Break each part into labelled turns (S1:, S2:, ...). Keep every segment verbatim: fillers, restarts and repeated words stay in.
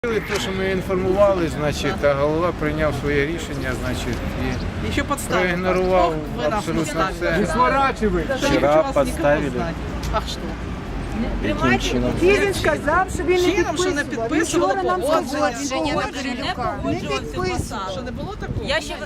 S1: Те, що ми інформували, значить, а голова прийняв своє рішення, значить, і
S2: Еще подставили.
S1: проігнорував
S2: Вы нас
S1: абсолютно
S2: подставили.
S1: все.
S2: Даже
S3: Вчера
S2: я хочу вас
S3: подставили.
S2: никого знать. Ах, что?
S3: Яким чином?
S4: Він сказав, що він не
S2: Чином, що не
S4: підписував.
S2: підписувало
S4: Вчора нам сказали,
S2: погодження.
S4: він
S2: Погодження
S4: погодження
S2: не
S4: не підписував.
S2: Що не було такого?
S5: Я ще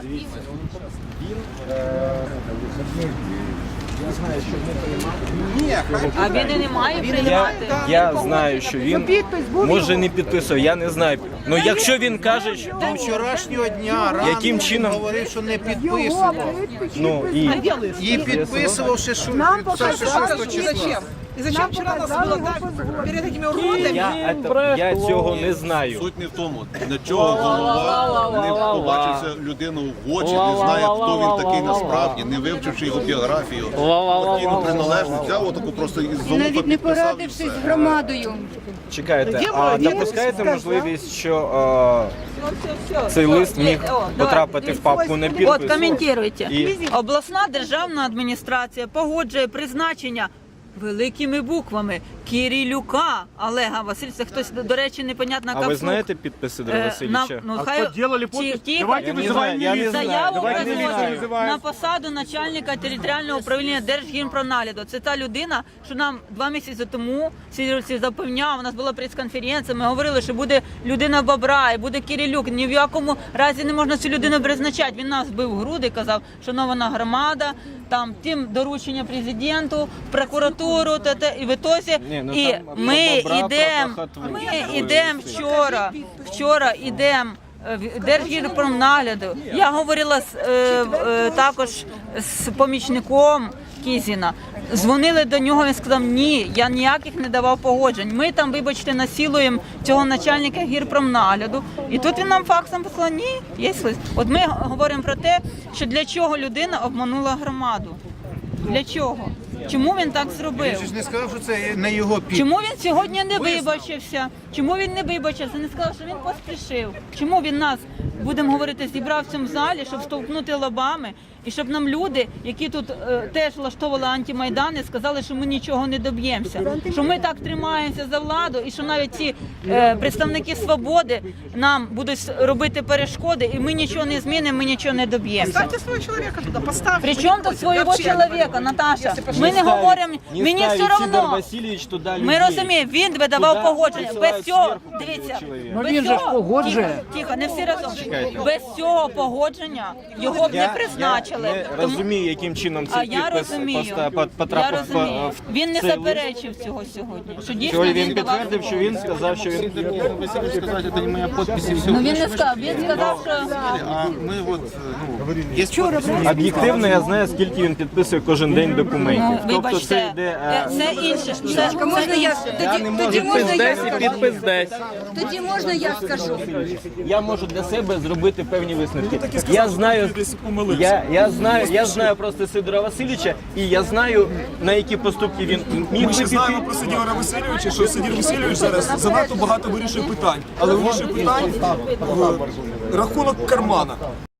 S5: а він і не має
S3: Я,
S5: приймати.
S3: я знаю, що він
S4: Підпис був
S3: може
S4: його.
S3: не підписав, я не знаю. Ну якщо він каже, що
S1: До вчорашнього дня рано
S3: Яким чином?
S1: говорив, що не
S4: Його
S1: підписував.
S4: підпис.
S3: ну і
S1: І підписував ще що
S4: Нам
S1: підписавши
S4: показали,
S1: шостого
S2: И
S1: числа.
S2: зачем? И зачем
S4: Нам
S2: вчера нас
S4: показали
S2: было
S4: його
S2: так
S4: позвонити.
S2: перед этими уродами?
S3: я, это, я цього не знаю.
S6: Суть не в тому, для чого голова не побачився людину в очі, не знає, хто він такий насправді, не вивчивши його біографію, партійну приналежність, взяв отаку просто із золота
S7: Навіть не
S6: підписав і
S7: порадившись
S6: все.
S7: з громадою.
S3: Чекайте, а допускаєте можливість, що е, цей лист міг потрапити в папку не
S5: От,
S3: підпис?
S5: коментуйте.
S3: І-
S5: Обласна державна адміністрація погоджує призначення великими буквами Кирилюка Олега Васильовича. Хтось, до речі, непонятно,
S3: А ви знаєте підпис Сидора Васильовича?
S5: Ну, хай...
S8: Подделали подпись?
S5: Тихо.
S8: Давайте
S3: Я не
S8: вызываем
S3: знаю, я не
S8: милицию.
S3: знаю.
S5: Заяву
S3: Давайте
S5: приносить
S3: міліцію
S5: на посаду начальника територіального управління Держгімпронагляду. Це та людина, що нам два місяці тому всі запевняв, у нас була прес-конференція, ми говорили, що буде людина Бобра і буде Кирилюк. Ні в якому разі не можна цю людину призначати. Він нас бив в груди, казав, шанована громада, там тим доручення президенту, прокуратуру, та, та, і в ітозі.
S3: Ні, ну,
S5: І
S3: там
S5: ми
S3: Бобра
S5: йдемо,
S3: про
S5: ми
S3: хатву.
S5: йдемо вчора, вчора йдемо в Держгірпромнагляду. Я говорила з, е, е, також з помічником Кізіна. Дзвонили до нього, він сказав, ні, я ніяких не давав погоджень. Ми там, вибачте, насилуємо цього начальника гірпромнагляду. І тут він нам факсом послав, ні, є лист. От ми говоримо про те, що для чого людина обманула громаду. Для чого? Чому він так зробив?
S1: Він же ж не сказав, що це не його підпис.
S5: Чому він сьогодні не вибачився? Чому він не вибачився? Не сказав, що він поспішив. Чому він нас, будемо говорити, зібрав в цьому залі, щоб стовкнути лобами, і щоб нам люди, які тут е, теж влаштовували антимайдани, сказали, що ми нічого не доб'ємося. Що ми так тримаємося за владу, і що навіть ці е, представники свободи нам будуть робити перешкоди, і ми нічого не змінимо, ми нічого не доб'ємося.
S2: Ставьте своего человека туда, поставьте.
S5: Причому тут свого чоловіка, Наташа? Ми не говоримо,
S3: Не
S5: мені
S3: ставить
S5: все
S3: Сидор
S5: одно.
S3: Васильович туди людей.
S5: Ми розуміємо, він би давав
S3: Туди
S5: погодження.
S3: посилають
S5: Без цього,
S3: зверху
S5: дивіться,
S3: чоловіка.
S5: без
S8: він же ж
S5: цього-
S8: погоджує.
S5: Тихо, тихо, не всі разом. Без цього погодження його б не
S3: Я,
S5: призначили.
S3: я не
S5: Тому-
S3: розумію, яким чином
S5: А
S3: цей
S5: я
S3: підпис
S5: розумію,
S3: поста-
S5: я
S3: потрапив
S5: розумію.
S3: в
S5: Він не
S3: цей лист.
S5: заперечив цього сьогодні. Що дійсно
S3: Сьогодні
S5: він
S3: він
S5: давав
S3: підтвердив, що він сказав, що він
S6: Васильович сказав, це не моя підпис і все.
S5: Ну він не сказав, він сказав, що
S6: А ми от, ну, є підпис.
S3: об'єктивно, я знаю, скільки він підписує кожен день документів.
S5: ну,
S3: Тобто
S5: вибачте,
S3: це йде...
S5: е,
S3: е,
S5: це інше. Це,
S7: А можна
S5: це
S7: я
S5: інше.
S7: тоді, тоді можна я скажу?
S3: підпис десь.
S7: Тоді можна я скажу?
S3: Я можу для себе зробити певні висновки. Я знаю, я, я знаю, я знаю просто Сидора Васильовича, і я знаю, на які поступки він міг
S8: Ми
S3: би
S8: ще
S3: піти.
S8: знаємо про Сидора Васильовича, що Сидір Васильович зараз занадто багато вирішує питань, але вирішує питань в рахунок кармана.